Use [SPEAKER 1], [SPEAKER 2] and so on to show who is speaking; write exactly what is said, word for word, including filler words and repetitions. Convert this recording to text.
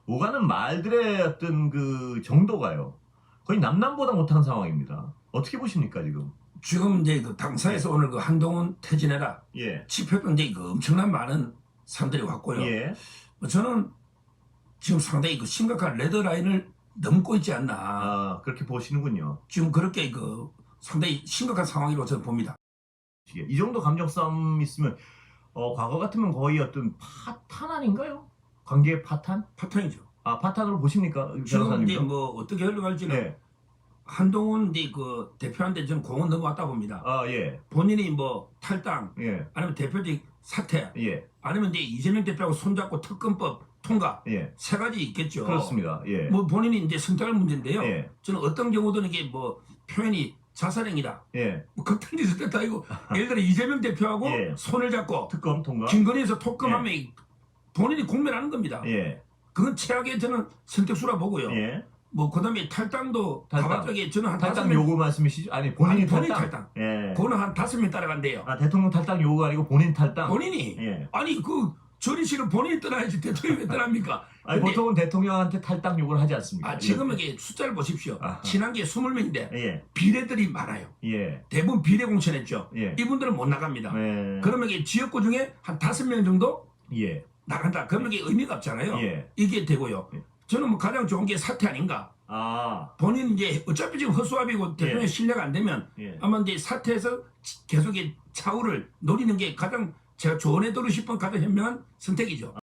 [SPEAKER 1] 오가는 말들의 어떤 그 정도가요. 거의 남남보다 못한 상황입니다. 어떻게 보십니까, 지금?
[SPEAKER 2] 지금 이제 그 당사에서
[SPEAKER 1] 예.
[SPEAKER 2] 오늘 그 한동훈 퇴진해라
[SPEAKER 1] 예.
[SPEAKER 2] 집회도 이제 그 엄청난 많은 사람들이 왔고요.
[SPEAKER 1] 예.
[SPEAKER 2] 뭐 저는 지금 상당히 그 심각한 레드라인을 넘고 있지 않나.
[SPEAKER 1] 아, 그렇게 보시는군요.
[SPEAKER 2] 지금 그렇게 그 상당히 심각한 상황이라고 저는 봅니다.
[SPEAKER 1] 이 정도 감정 싸움 있으면 어, 과거 같으면 거의 어떤 파탄 아닌가요? 관계 파탄?
[SPEAKER 2] 파탄이죠.
[SPEAKER 1] 아, 파탄으로 보십니까?
[SPEAKER 2] 지금 이제
[SPEAKER 1] 변호사님도?
[SPEAKER 2] 뭐 어떻게 흘러갈지는
[SPEAKER 1] 예.
[SPEAKER 2] 한동훈 이제 그 대표한테 저는 공은 넘어왔다 봅니다.
[SPEAKER 1] 아, 예.
[SPEAKER 2] 본인이 뭐 탈당
[SPEAKER 1] 예.
[SPEAKER 2] 아니면 대표직 사퇴
[SPEAKER 1] 예.
[SPEAKER 2] 아니면 이제 이재명 대표하고 손잡고 특검법 통과
[SPEAKER 1] 예.
[SPEAKER 2] 세 가지 있겠죠.
[SPEAKER 1] 그렇습니다. 예.
[SPEAKER 2] 뭐 본인이 이제 선택할 문제인데요.
[SPEAKER 1] 예.
[SPEAKER 2] 저는 어떤 경우든 이게 뭐 표현이 자살행위다.
[SPEAKER 1] 예.
[SPEAKER 2] 뭐 극단적일 때도 아니고 예를 들어 이재명 대표하고
[SPEAKER 1] 예.
[SPEAKER 2] 손을 잡고
[SPEAKER 1] 특검 통과?
[SPEAKER 2] 김건희에서 톡검하면 본인이 공멸하는 겁니다.
[SPEAKER 1] 예.
[SPEAKER 2] 그건 최악의 저는 선택수라 보고요.
[SPEAKER 1] 예.
[SPEAKER 2] 뭐 그다음에 탈당도
[SPEAKER 1] 탈당.
[SPEAKER 2] 다각적에 저는 한 다섯
[SPEAKER 1] 탈당
[SPEAKER 2] 명
[SPEAKER 1] 요구 말씀이시죠? 아니, 본인이
[SPEAKER 2] 아니, 본인
[SPEAKER 1] 탈당.
[SPEAKER 2] 탈당.
[SPEAKER 1] 예.
[SPEAKER 2] 그거는 한 다섯 명 따라간대요.
[SPEAKER 1] 아, 대통령 탈당 요구가 아니고 본인 탈당?
[SPEAKER 2] 본인이
[SPEAKER 1] 예.
[SPEAKER 2] 아니 그 전의실은 본인이 떠나야지 대통령이 왜 떠납니까?
[SPEAKER 1] 아니,
[SPEAKER 2] 근데
[SPEAKER 1] 보통은 대통령한테 탈당 요구를 하지 않습니까?
[SPEAKER 2] 아, 지금 이게 숫자를 보십시오.
[SPEAKER 1] 아하.
[SPEAKER 2] 친한 게 이십 명인데
[SPEAKER 1] 예.
[SPEAKER 2] 비례들이 많아요.
[SPEAKER 1] 예.
[SPEAKER 2] 대부분 비례 공천했죠.
[SPEAKER 1] 예.
[SPEAKER 2] 이분들은 못 나갑니다.
[SPEAKER 1] 예.
[SPEAKER 2] 그러면 이게 지역구 중에 한 다섯 명 정도
[SPEAKER 1] 예.
[SPEAKER 2] 나간다. 그러면 이게 의미가 없잖아요.
[SPEAKER 1] 예.
[SPEAKER 2] 이게 되고요.
[SPEAKER 1] 예.
[SPEAKER 2] 저는 뭐 가장 좋은 게 사퇴 아닌가.
[SPEAKER 1] 아.
[SPEAKER 2] 본인 이제 어차피 지금 허수아비고 대통령
[SPEAKER 1] 예.
[SPEAKER 2] 신뢰가 안 되면
[SPEAKER 1] 예.
[SPEAKER 2] 아마 이제 사퇴해서 계속 차후를 노리는 게 가장 제가 조언해드리고 싶은 가장 현명한 선택이죠.